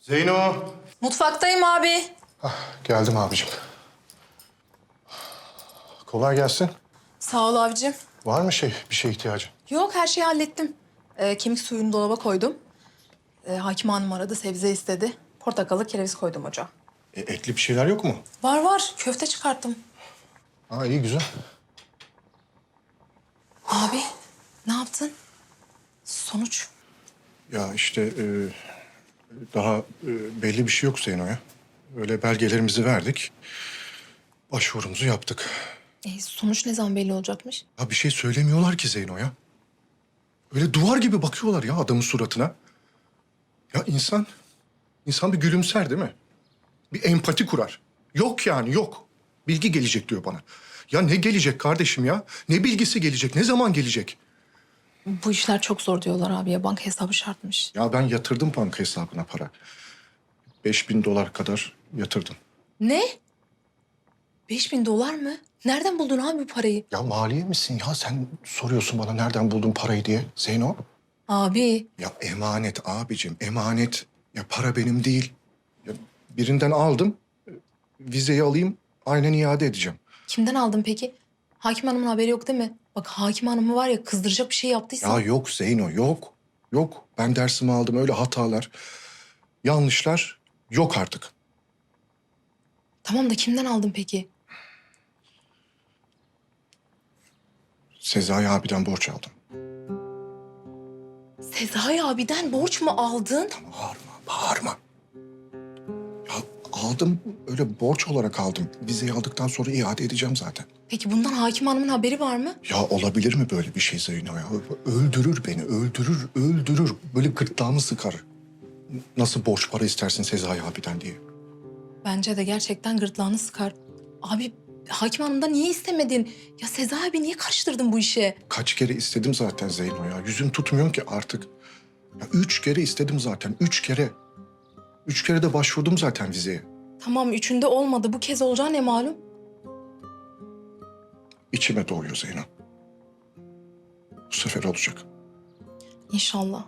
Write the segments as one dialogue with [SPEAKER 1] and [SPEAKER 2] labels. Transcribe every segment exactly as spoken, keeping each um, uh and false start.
[SPEAKER 1] Zeyno.
[SPEAKER 2] Mutfaktayım abi.
[SPEAKER 1] Hah, geldim abicim. Kolay gelsin.
[SPEAKER 2] Sağ ol abicim.
[SPEAKER 1] Var mı şey, bir şeye ihtiyacın?
[SPEAKER 2] Yok, her şeyi hallettim. Ee, kemik suyunu dolaba koydum. Ee, Hakim Hanım aradı, sebze istedi. Portakalı, kereviz koydum ocağa.
[SPEAKER 1] E, etli bir şeyler yok mu?
[SPEAKER 2] Var var, köfte çıkarttım.
[SPEAKER 1] Ha, iyi güzel.
[SPEAKER 2] Abi, ne yaptın? Sonuç?
[SPEAKER 1] Ya işte e, daha e, belli bir şey yok Zeyno'ya. Öyle belgelerimizi verdik. Başvurumuzu yaptık.
[SPEAKER 2] E, sonuç ne zaman belli olacakmış?
[SPEAKER 1] Ya bir şey söylemiyorlar ki Zeyno'ya. Öyle duvar gibi bakıyorlar ya adamın suratına. Ya insan, insan bir gülümser değil mi? Bir empati kurar. Yok yani yok. Bilgi gelecek diyor bana. Ya ne gelecek kardeşim ya? Ne bilgisi gelecek? Ne zaman gelecek?
[SPEAKER 2] Bu işler çok zor diyorlar abi ya. Banka hesabı şartmış.
[SPEAKER 1] Ya ben yatırdım banka hesabına para. Beş bin dolar kadar yatırdım.
[SPEAKER 2] Ne? Beş bin dolar mı? Nereden buldun abi bu parayı?
[SPEAKER 1] Ya maliye misin ya? Sen soruyorsun bana nereden buldun parayı diye Zeyno.
[SPEAKER 2] Abi,
[SPEAKER 1] Ya emanet abicim, emanet. Ya para benim değil. Ya birinden aldım, vizeyi alayım, aynen iade edeceğim.
[SPEAKER 2] kimden aldın peki? Hakim Hanım'ın haberi yok değil mi? Bak Hakim Hanım'ı var ya, kızdıracak bir şey yaptıysa...
[SPEAKER 1] Ya yok Zeyno, yok. Yok. Ben dersimi aldım, öyle hatalar, yanlışlar yok artık.
[SPEAKER 2] Tamam da kimden aldın peki?
[SPEAKER 1] Sezai abiden borç aldım.
[SPEAKER 2] Sezai abiden borç mu aldın?
[SPEAKER 1] Bağırma, bağırma. Ya aldım, öyle borç olarak aldım. Vizeyi aldıktan sonra iade edeceğim zaten.
[SPEAKER 2] Peki bundan Hakim Hanım'ın haberi var mı?
[SPEAKER 1] Ya olabilir mi böyle bir şey Zeyno ya? Öldürür beni, öldürür, öldürür. Böyle gırtlağımı sıkar. Nasıl borç para istersin Sezai abiden diye.
[SPEAKER 2] Bence de gerçekten gırtlağını sıkar. Abi Hakim Hanım'dan niye istemedin? Ya Sezai abi niye karıştırdın bu işe?
[SPEAKER 1] Kaç kere istedim zaten Zeyno ya. Yüzüm tutmuyor ki artık. Ya üç kere istedim zaten, üç kere. Üç kere de başvurdum zaten vizeye.
[SPEAKER 2] Tamam, üçünde olmadı. Bu kez olacağı ne malum?
[SPEAKER 1] İçime doğuyor Zeyno. Bu sefer olacak.
[SPEAKER 2] İnşallah.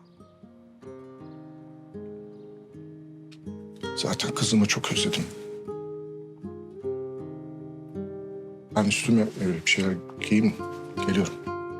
[SPEAKER 1] Zaten kızımı çok özledim. Ben üstüme öyle bir şeyler giyeyim, geliyorum.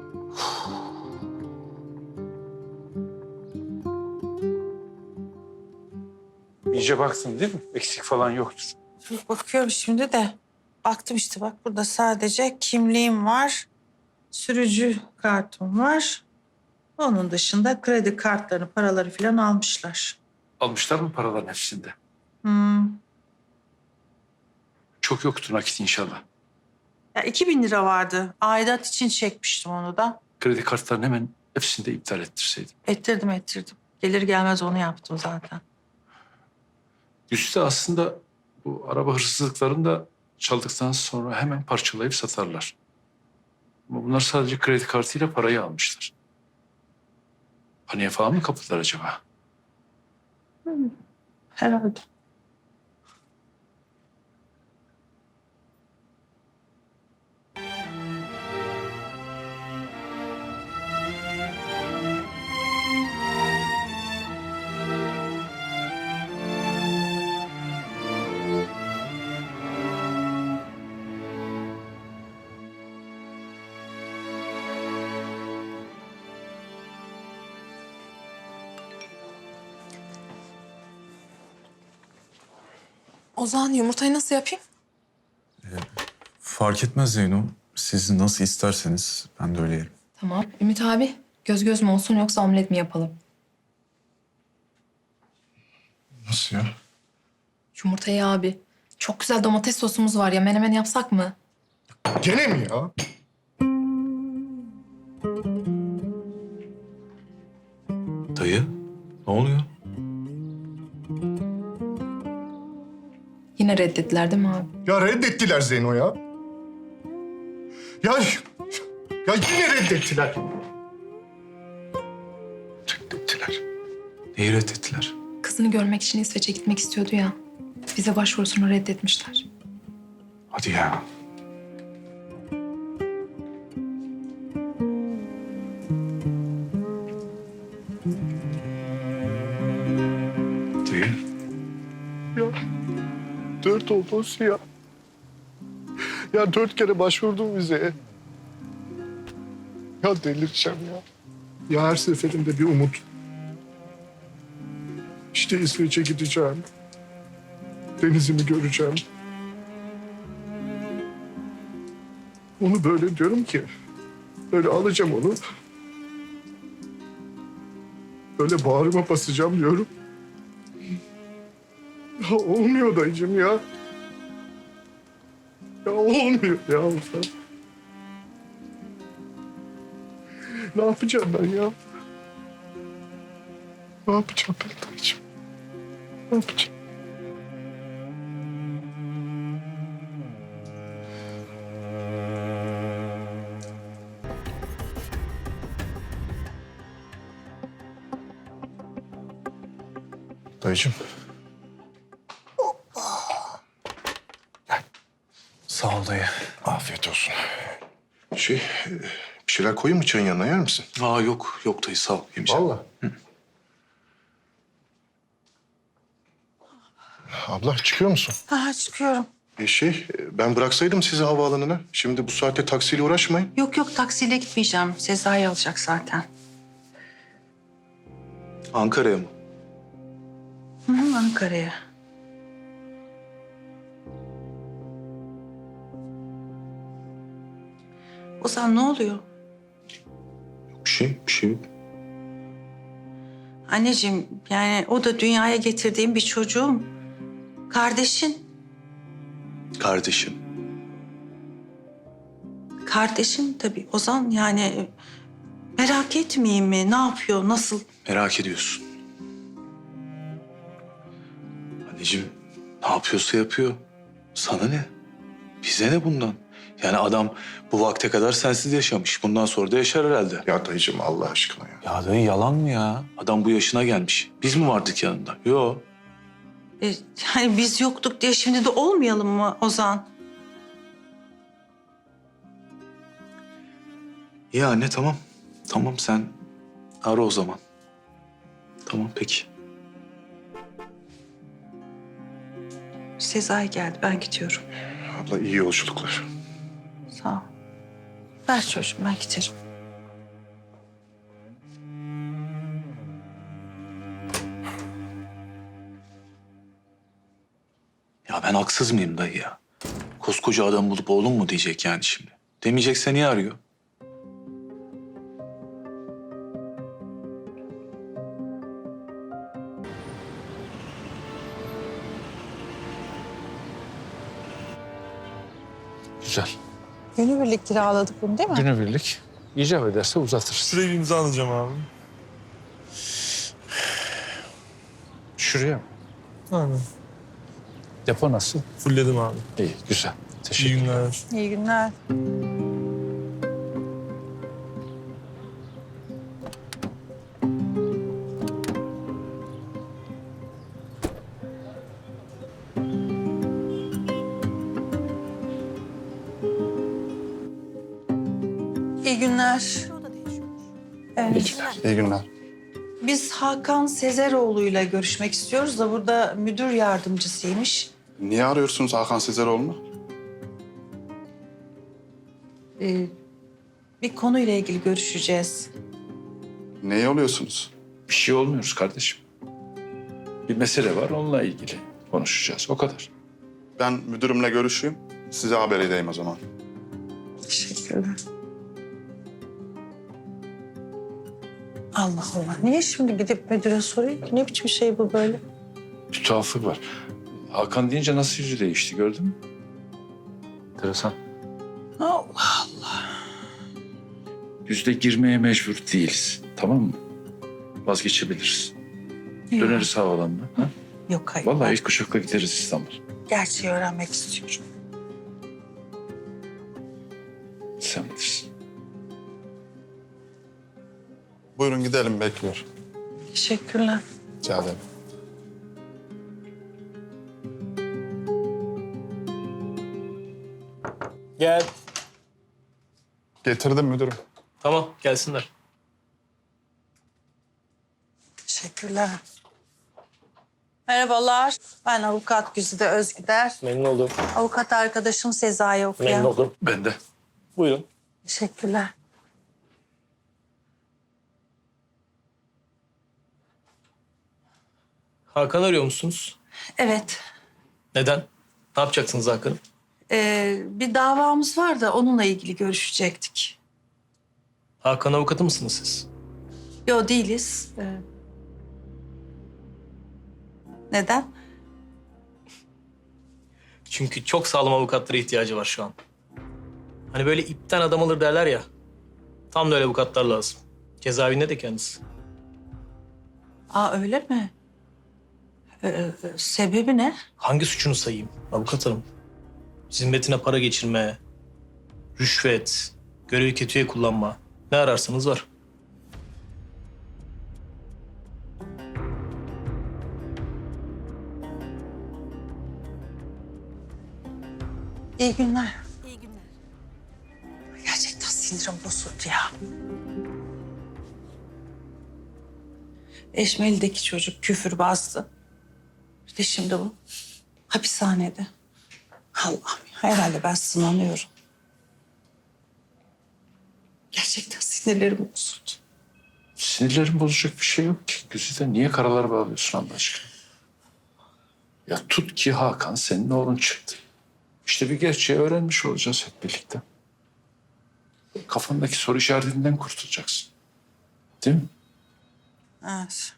[SPEAKER 3] İyice baksın değil mi? Eksik falan yoktur.
[SPEAKER 4] Dur, bakıyorum şimdi de. Baktım işte bak burada sadece kimliğim var. Sürücü kartım var. Onun dışında kredi kartlarını, paraları falan almışlar.
[SPEAKER 3] Almışlar mı paraların hepsinde?
[SPEAKER 4] Hmm.
[SPEAKER 3] Çok yoktur nakit inşallah.
[SPEAKER 4] Ya iki bin lira vardı. Aidat için çekmiştim onu da.
[SPEAKER 3] Kredi kartlarını hemen hepsini de iptal ettirseydin.
[SPEAKER 4] Ettirdim ettirdim. Gelir gelmez onu yaptım zaten.
[SPEAKER 3] Üstte aslında bu araba hırsızlıklarını da çaldıktan sonra hemen parçalayıp satarlar. Ama bunlar sadece kredi kartıyla parayı almışlar. Paniğe falan mı kapıldılar acaba?
[SPEAKER 4] Herhalde.
[SPEAKER 2] Ozan, yumurtayı nasıl yapayım?
[SPEAKER 5] Fark etmez Zeyno. Siz nasıl isterseniz ben de öyle yerim.
[SPEAKER 2] Tamam. Ümit abi, göz göz mü olsun yoksa omlet mi yapalım?
[SPEAKER 1] Nasıl ya?
[SPEAKER 2] Yumurtayı abi. Çok güzel domates sosumuz var ya. Menemen yapsak mı?
[SPEAKER 1] Gene mi ya?
[SPEAKER 5] Dayı, ne oluyor?
[SPEAKER 2] Yine reddettiler değil mi abi?
[SPEAKER 1] Ya reddettiler Zeyno ya. Ya, ya yine reddettiler. Reddettiler.
[SPEAKER 5] Neyi reddettiler?
[SPEAKER 2] Kızını görmek için İsveç'e gitmek istiyordu ya. Bize başvurusunu reddetmişler.
[SPEAKER 5] Hadi ya.
[SPEAKER 3] Dayı,
[SPEAKER 1] dört oldu olsun ya. Ya dört kere başvurdum vizeye. Ya delireceğim ya. Ya her seferinde bir umut. İşte İsveç'e gideceğim. Denizimi göreceğim. Onu böyle diyorum ki, böyle alacağım onu. Böyle bağrıma basacağım diyorum. Ya olmuyor dayıcığım ya. Ya olmuyor ya. Ne yapacağım ben ya? Ne yapacağım ben dayıcığım? Ne yapacağım? Dayıcığım.
[SPEAKER 5] Sağ ol dayı.
[SPEAKER 1] Afiyet olsun. Şey, e, bir şeyler koyayım mı çayın yanına, yer misin?
[SPEAKER 5] Aa yok, yok dayı sağ ol. Yemeyeceğim.
[SPEAKER 1] Vallahi. Abla çıkıyor musun?
[SPEAKER 4] Ha, çıkıyorum.
[SPEAKER 1] E şey, e, ben bıraksaydım sizi havaalanına. Şimdi bu saatte taksiyle uğraşmayın.
[SPEAKER 4] Yok yok, taksiyle gitmeyeceğim. Sezai alacak zaten.
[SPEAKER 5] Ankara'ya mı?
[SPEAKER 4] Hı hı, Ankara'ya. Ozan ne oluyor?
[SPEAKER 5] Bir şey, bir şey yok.
[SPEAKER 4] Anneciğim, yani o da dünyaya getirdiğim bir çocuğum. Kardeşin.
[SPEAKER 5] Kardeşim.
[SPEAKER 4] Kardeşin tabii Ozan, yani merak etmeyeyim mi? Ne yapıyor, nasıl?
[SPEAKER 5] Merak ediyorsun. Anneciğim ne yapıyorsa yapıyor. Sana ne? Bize ne bundan? Yani adam bu vakte kadar sensiz yaşamış. Bundan sonra da yaşar herhalde.
[SPEAKER 1] Ya dayıcığım Allah aşkına ya.
[SPEAKER 5] Ya dayı yalan mı ya? Adam bu yaşına gelmiş. Biz mi vardık yanında? Yok.
[SPEAKER 4] E, yani biz yoktuk diye şimdi de olmayalım mı Ozan?
[SPEAKER 5] İyi anne tamam. Tamam sen ara o zaman. Tamam peki.
[SPEAKER 4] Sezai geldi, ben gidiyorum.
[SPEAKER 1] Abla iyi yolculuklar.
[SPEAKER 4] Sağ ol. Ver çocuğum, ben giderim.
[SPEAKER 5] Ya ben haksız mıyım dayı ya? Koskoca adam bulup oğlum mu diyecek yani şimdi? Demeyecekse niye arıyor?
[SPEAKER 3] Güzel.
[SPEAKER 4] Günübirlik kiraladık bunu değil mi?
[SPEAKER 3] Günübirlik. İcap ederse uzatırız.
[SPEAKER 6] Şurayı bir imza alacağım abi.
[SPEAKER 3] Şuraya mı?
[SPEAKER 6] Aynen.
[SPEAKER 3] Depo nasıl?
[SPEAKER 6] Fullledim abi.
[SPEAKER 3] İyi, güzel.
[SPEAKER 6] İyi
[SPEAKER 3] Teşekkür ederim.
[SPEAKER 6] günler.
[SPEAKER 4] İyi günler. İyi günler. Evet.
[SPEAKER 5] İyi günler.
[SPEAKER 4] Biz Hakan Sezeroğlu'yla görüşmek istiyoruz da burada müdür yardımcısıymış.
[SPEAKER 7] Niye arıyorsunuz Hakan Sezeroğlu'nu?
[SPEAKER 4] Ee, bir konuyla ilgili görüşeceğiz.
[SPEAKER 7] Neye oluyorsunuz?
[SPEAKER 3] Bir şey olmuyoruz kardeşim. Bir mesele var, onunla ilgili konuşacağız. O kadar.
[SPEAKER 7] Ben müdürümle görüşeyim. Size haber edeyim o zaman.
[SPEAKER 4] Teşekkürler. Allah Allah. Niye şimdi gidip müdüre sorayım ki? Ne biçim şey bu böyle?
[SPEAKER 3] Bir tuhaflık var. Hakan deyince nasıl yüzü değişti gördün mü? Enteresan.
[SPEAKER 4] Allah Allah.
[SPEAKER 3] Yüzde girmeye mecbur değiliz. Tamam mı? Vazgeçebiliriz. Döneriz havalanına. Ha?
[SPEAKER 4] Yok hayır.
[SPEAKER 3] Vallahi
[SPEAKER 4] ben
[SPEAKER 3] ilk uçakla gideriz İstanbul.
[SPEAKER 4] gerçeği öğrenmek istiyorum.
[SPEAKER 3] Sen bilirsin.
[SPEAKER 7] Buyurun gidelim bekliyor.
[SPEAKER 4] Teşekkürler.
[SPEAKER 7] Rica ederim.
[SPEAKER 6] Gel.
[SPEAKER 7] Getirdim müdürüm.
[SPEAKER 6] Tamam, gelsinler.
[SPEAKER 4] Teşekkürler. Merhabalar. Ben avukat Güzide Özgüder.
[SPEAKER 6] Memnun oldum.
[SPEAKER 4] Avukat arkadaşım Sezai okuyan.
[SPEAKER 6] Memnun oldum.
[SPEAKER 3] Ben de.
[SPEAKER 6] Buyurun.
[SPEAKER 4] Teşekkürler.
[SPEAKER 6] Hakan arıyor musunuz?
[SPEAKER 4] Evet.
[SPEAKER 6] Neden? Ne yapacaksınız Hakan'ı?
[SPEAKER 4] Ee, bir davamız var da onunla ilgili görüşecektik.
[SPEAKER 6] Hakan avukatı mısınız siz?
[SPEAKER 4] Yo değiliz. Ee, neden?
[SPEAKER 6] Çünkü çok sağlam avukatlara ihtiyacı var şu an. Hani böyle ipten adam alır derler ya. Tam da öyle avukatlar lazım. Cezaevinde de kendisi.
[SPEAKER 4] Aa öyle mi? Ee, sebebi ne?
[SPEAKER 6] Hangi suçunu sayayım avukat hanım? Zimmetine para geçirme, rüşvet, görevi kötüye kullanma. Ne ararsanız var.
[SPEAKER 4] İyi günler. İyi günler. Gerçekten sinirim bozuldu ya. Eşmeli'deki çocuk küfürbazdı. Bir de şimdi bu hapishanede. Allah'ım ya, herhalde ben sınanıyorum. Gerçekten sinirlerim bozuldu.
[SPEAKER 3] Sinirlerin bozacak bir şey yok ki. Güzide niye karalar bağlıyorsun Allah aşkına? Ya tut ki Hakan senin oğlun çıktı. İşte bir gerçeği öğrenmiş olacağız hep birlikte. Kafandaki soru işaretinden kurtulacaksın. Değil mi?
[SPEAKER 4] Evet.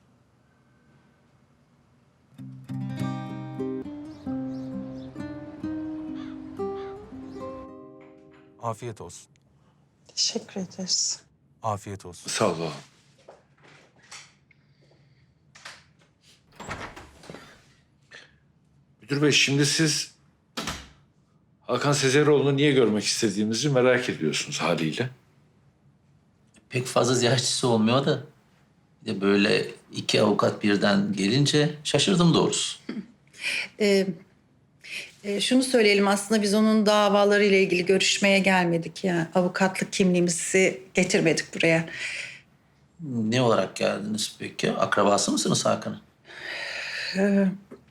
[SPEAKER 8] Afiyet olsun.
[SPEAKER 4] Teşekkür ederiz.
[SPEAKER 8] Afiyet olsun.
[SPEAKER 3] Sağ ol oğlum. Müdür bey şimdi siz Hakan Sezeroğlu'nu niye görmek istediğimizi merak ediyorsunuz haliyle.
[SPEAKER 9] Pek fazla ziyaretçisi olmuyor da. Bir de böyle iki avukat birden gelince şaşırdım doğrusu.
[SPEAKER 10] Ee, e, şunu söyleyelim aslında biz onun davalarıyla ilgili görüşmeye gelmedik. Yani avukatlık kimliğimizi getirmedik buraya.
[SPEAKER 9] Ne olarak geldiniz peki? Akrabası mısınız Hakan'ın?
[SPEAKER 10] Ee,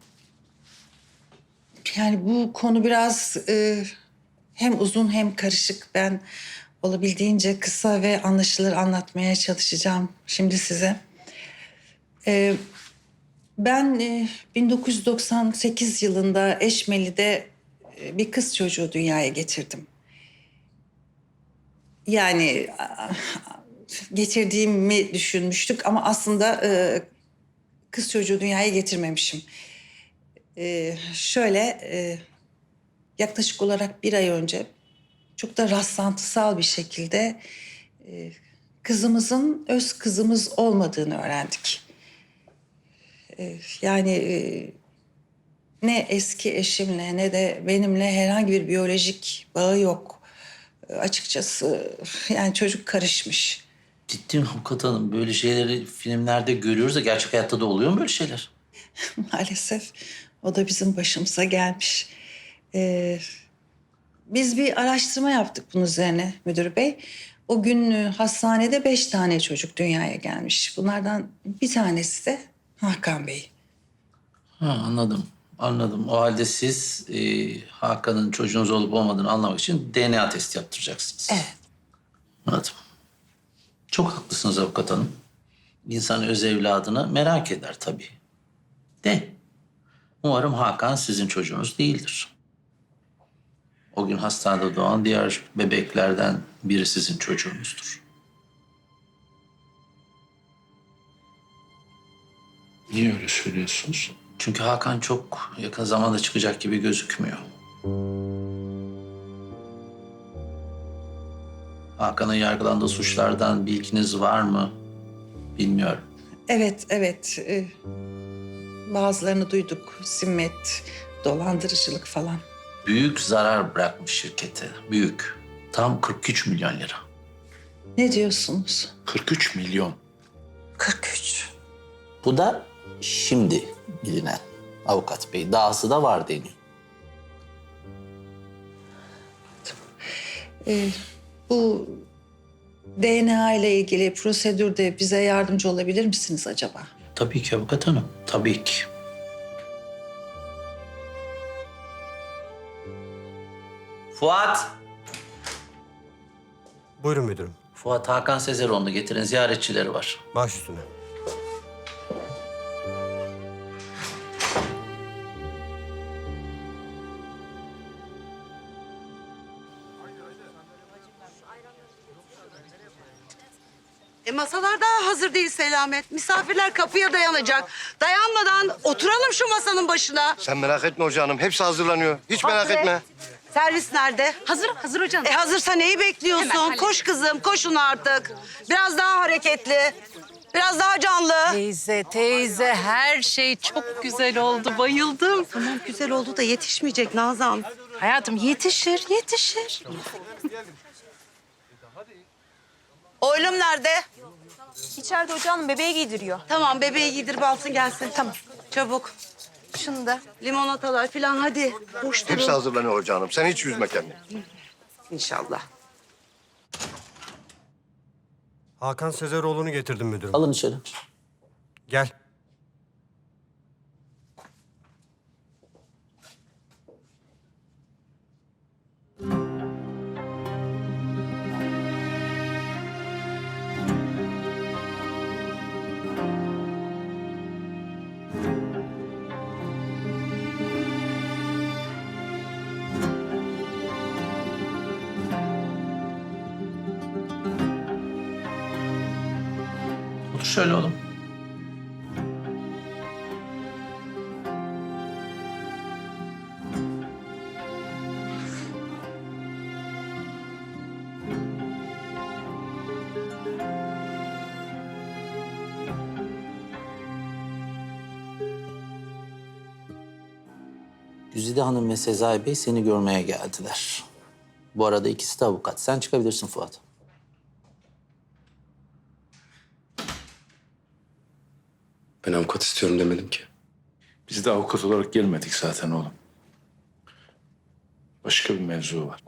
[SPEAKER 10] yani bu konu biraz e, hem uzun hem karışık. Ben olabildiğince kısa ve anlaşılır anlatmaya çalışacağım şimdi size. Ee, ben e, bin dokuz yüz doksan sekiz yılında Eşmeli'de e, bir kız çocuğu dünyaya getirdim. Yani a- getirdiğimi düşünmüştük ama aslında e, kız çocuğu dünyaya getirmemişim. E, şöyle e, yaklaşık olarak bir ay önce çok da rastlantısal bir şekilde e, kızımızın öz kızımız olmadığını öğrendik. E, yani e, ne eski eşimle ne de benimle herhangi bir biyolojik bağı yok. E, açıkçası yani çocuk karışmış.
[SPEAKER 9] Ciddi mi avukat hanım? Böyle şeyleri filmlerde görüyoruz da gerçek hayatta da oluyor mu böyle şeyler?
[SPEAKER 10] Maalesef o da bizim başımıza gelmiş. Ee, biz bir araştırma yaptık bunun üzerine müdür bey. O gün e, hastanede beş tane çocuk dünyaya gelmiş. Bunlardan bir tanesi de Hakan Bey.
[SPEAKER 9] Ha, anladım. Anladım. O halde siz e, Hakan'ın çocuğunuz olup olmadığını anlamak için D N A testi yaptıracaksınız.
[SPEAKER 10] Evet.
[SPEAKER 9] Anladım. Çok haklısınız avukat hanım. İnsan öz evladını merak eder tabii. De umarım Hakan sizin çocuğunuz değildir. O gün hastanede doğan diğer bebeklerden biri sizin çocuğunuzdur.
[SPEAKER 3] Niye öyle söylüyorsunuz?
[SPEAKER 9] Çünkü Hakan çok yakın zamanda çıkacak gibi gözükmüyor. Hakan'ın yargılandığı suçlardan bilginiz var mı? Bilmiyorum.
[SPEAKER 10] Evet, evet. Ee, bazılarını duyduk. Zimmet, dolandırıcılık falan.
[SPEAKER 9] Büyük zarar bırakmış şirkete. Büyük. Tam kırk üç milyon lira.
[SPEAKER 10] Ne diyorsunuz?
[SPEAKER 3] kırk üç milyon.
[SPEAKER 10] kırk üç.
[SPEAKER 9] Bu da şimdi bilinen avukat bey. Dahası da var deniyor.
[SPEAKER 10] Ee, bu D N A ile ilgili prosedürde bize yardımcı olabilir misiniz acaba?
[SPEAKER 9] Tabii ki avukat hanım. Tabii ki. Fuat!
[SPEAKER 11] Buyurun müdürüm.
[SPEAKER 9] Fuat Hakan Sezeroğlu'nu getirin. Ziyaretçileri var.
[SPEAKER 11] Baş üstüne.
[SPEAKER 10] E masalar daha hazır değil Selamet. Misafirler kapıya dayanacak. Dayanmadan oturalım şu masanın başına.
[SPEAKER 11] Sen merak etme hocam. Hepsi hazırlanıyor. Hiç merak
[SPEAKER 10] Hasret.
[SPEAKER 11] etme.
[SPEAKER 10] Servis nerede?
[SPEAKER 2] Hazır, hazır hocam.
[SPEAKER 10] E hazırsa neyi bekliyorsun? Koş kızım, koşun artık. Biraz daha hareketli. Biraz daha canlı.
[SPEAKER 4] Teyze, teyze her şey çok güzel oldu. Bayıldım.
[SPEAKER 10] Tamam güzel oldu da yetişmeyecek Nazan.
[SPEAKER 4] Hayatım yetişir, yetişir.
[SPEAKER 10] Oylum nerede?
[SPEAKER 2] İçeride hocam bebeği giydiriyor.
[SPEAKER 10] Tamam bebeği giydirip alsın gelsin. Tamam. Çabuk.
[SPEAKER 2] Şunu da.
[SPEAKER 10] Limonatalar falan hadi. Boş durun.
[SPEAKER 11] Hepsi hazırlanıyor hocam. Sen hiç üzme kendini.
[SPEAKER 10] İnşallah.
[SPEAKER 11] Hakan Sezeroğlu'nu getirdim müdürüm.
[SPEAKER 9] Alın içeri.
[SPEAKER 11] Gel.
[SPEAKER 9] Otur şöyle oğlum. Güzide Hanım ve Sezai Bey seni görmeye geldiler. Bu arada ikisi de avukat. Sen çıkabilirsin Fuat.
[SPEAKER 12] Ben avukat istiyorum demedim ki.
[SPEAKER 3] Biz de avukat olarak gelmedik zaten oğlum. Başka bir mevzu var.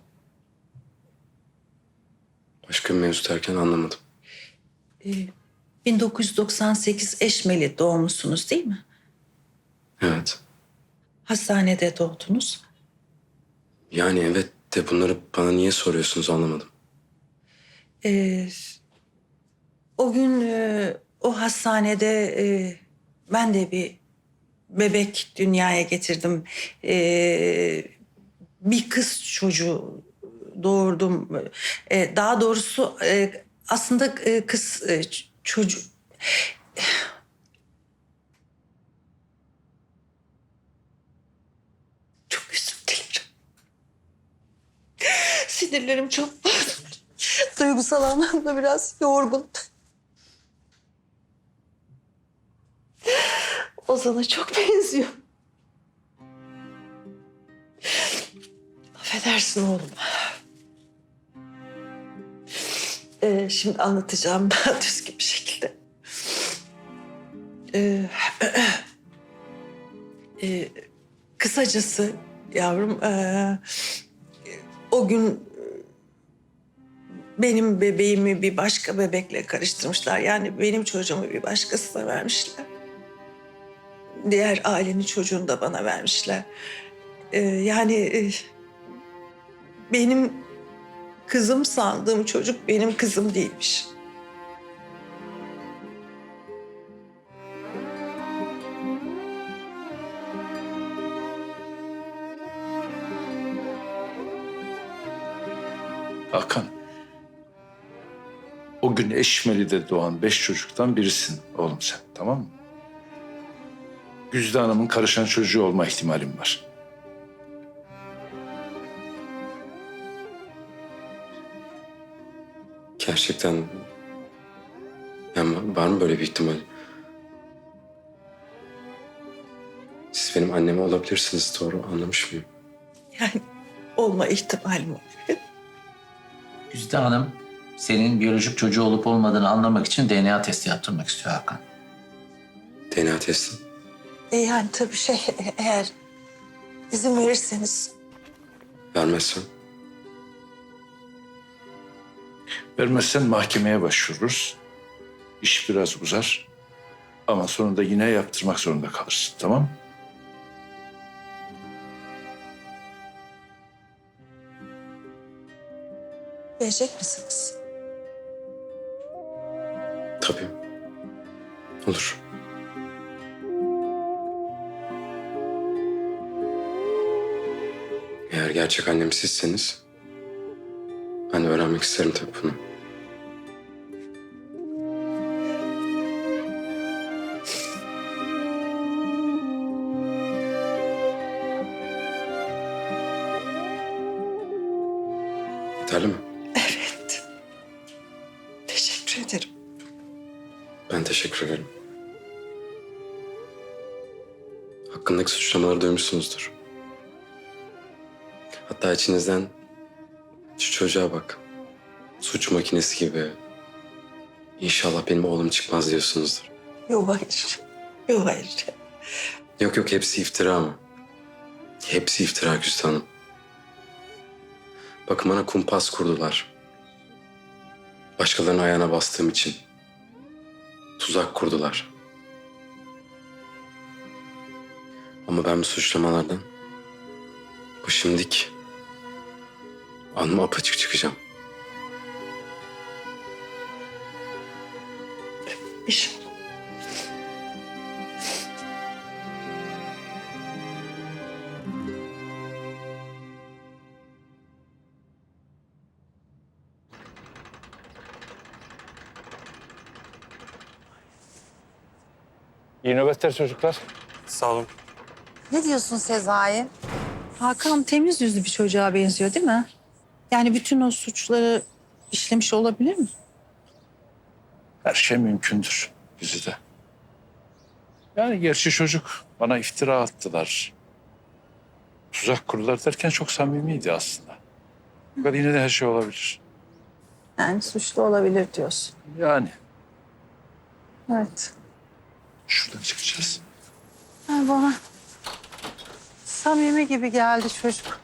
[SPEAKER 12] Başka bir mevzu derken anlamadım.
[SPEAKER 10] bin dokuz yüz doksan sekiz Eşmeli doğmuşsunuz değil mi?
[SPEAKER 12] Evet.
[SPEAKER 10] Hastanede doğdunuz.
[SPEAKER 12] Yani evet de bunları bana niye soruyorsunuz anlamadım.
[SPEAKER 10] Ee, o gün e, o hastanede e, ben de bir bebek dünyaya getirdim. Ee, bir kız çocuğu doğurdum. Ee, daha doğrusu e, aslında e, kız e, ç- çocuğu... Çok özür dilerim. Sinirlerim çok bozuldu. Duygusal anlamda biraz yorgun. Ozan'a çok benziyor. Affedersin oğlum. Ee, şimdi anlatacağım daha düzgün bir şekilde. Ee, e, kısacası yavrum, e, o gün benim bebeğimi bir başka bebekle karıştırmışlar. Yani benim çocuğumu bir başkasına vermişler. Diğer ailenin çocuğunu da bana vermişler. Ee, yani e, benim kızım sandığım çocuk benim kızım değilmiş.
[SPEAKER 3] Hakan. O gün Eşmeli'de doğan beş çocuktan birisin oğlum sen, tamam mı? Güzide Hanım'ın karışan çocuğu olma ihtimalim var.
[SPEAKER 12] Gerçekten... Yani var mı böyle bir ihtimal? Siz benim anneme olabilirsiniz, doğru anlamış mıyım?
[SPEAKER 10] Yani olma ihtimalim var.
[SPEAKER 9] Güzide Hanım senin biyolojik çocuğu olup olmadığını anlamak için D N A testi yaptırmak istiyor Hakan.
[SPEAKER 12] D N A testi.
[SPEAKER 10] E yani tabii şey, eğer izin verirseniz.
[SPEAKER 12] Vermezsem?
[SPEAKER 3] Vermezsen mahkemeye başvururuz. İş biraz uzar. Ama sonunda yine yaptırmak zorunda kalırsın, tamam mı?
[SPEAKER 10] verecek misiniz?
[SPEAKER 12] Tabii. Olur. Eğer gerçek annem sizseniz ben de öğrenmek isterim tabii bunu. Yeterli mi?
[SPEAKER 10] Evet. Teşekkür ederim.
[SPEAKER 12] Ben teşekkür ederim. Hakkındaki suçlamaları duymuşsunuzdur. Hatta içinizden şu çocuğa bak. Suç makinesi gibi. İnşallah benim oğlum çıkmaz diyorsunuzdur.
[SPEAKER 10] Yok hayır. Yok hayır.
[SPEAKER 12] Yok yok hepsi iftira ama. Hepsi iftira Güzide Hanım. Bakın bana kumpas kurdular. Başkalarının ayağına bastığım için. Tuzak kurdular. Ama ben bu suçlamalardan başım dik. Alnım apaçık çıkacağım.
[SPEAKER 10] İş.
[SPEAKER 3] İyi nöbetler çocuklar.
[SPEAKER 11] Sağ olun.
[SPEAKER 4] Ne diyorsun Sezai?
[SPEAKER 10] Hakan temiz yüzlü bir çocuğa benziyor değil mi? Yani bütün o suçları işlemiş olabilir mi?
[SPEAKER 3] Her şey mümkündür Güzide. Yani gerçi çocuk bana iftira attılar. Tuzak kurdular derken çok samimiydi aslında. Fakat yine de her şey olabilir.
[SPEAKER 4] Yani suçlu olabilir diyorsun.
[SPEAKER 3] Yani
[SPEAKER 4] Evet.
[SPEAKER 3] şuradan çıkacağız.
[SPEAKER 4] Ha, bana samimi gibi geldi çocuk.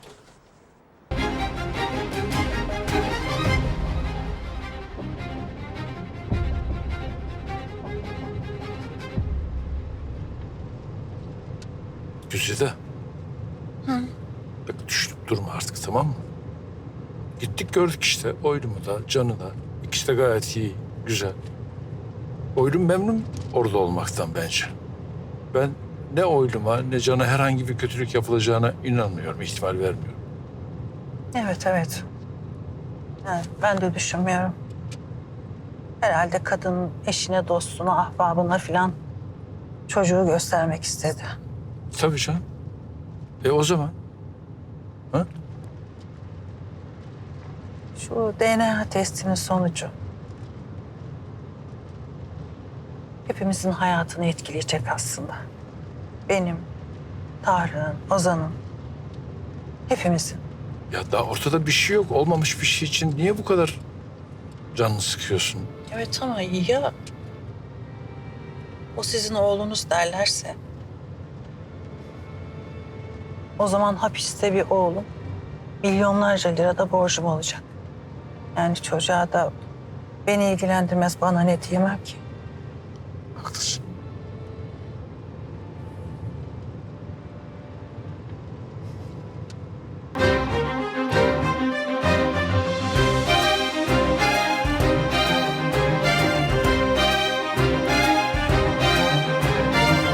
[SPEAKER 3] Güzide. Bak düşünüp durma artık tamam mı? Gittik gördük işte oylumu da canı da. İkisi de gayet iyi, güzel. Oylum memnun orada olmaktan bence. Ben ne oyluma ne cana herhangi bir kötülük yapılacağına inanmıyorum, ihtimal vermiyorum.
[SPEAKER 4] Evet, evet. Yani ben de düşünmüyorum. Herhalde kadın eşine, dostuna, ahbabına filan çocuğu göstermek istedi.
[SPEAKER 3] Tabii canım. E o zaman? Ha?
[SPEAKER 4] Şu D N A testinin sonucu hepimizin hayatını etkileyecek aslında. Benim, Tarık'ın, Ozan'ın, hepimizin.
[SPEAKER 3] Ya daha ortada bir şey yok. Olmamış bir şey için niye bu kadar canını sıkıyorsun?
[SPEAKER 4] Evet ama ya o sizin oğlunuz derlerse? O zaman hapiste bir oğlum milyonlarca lirada borcum olacak. Yani çocuğa da beni ilgilendirmez bana ne diyemem ki.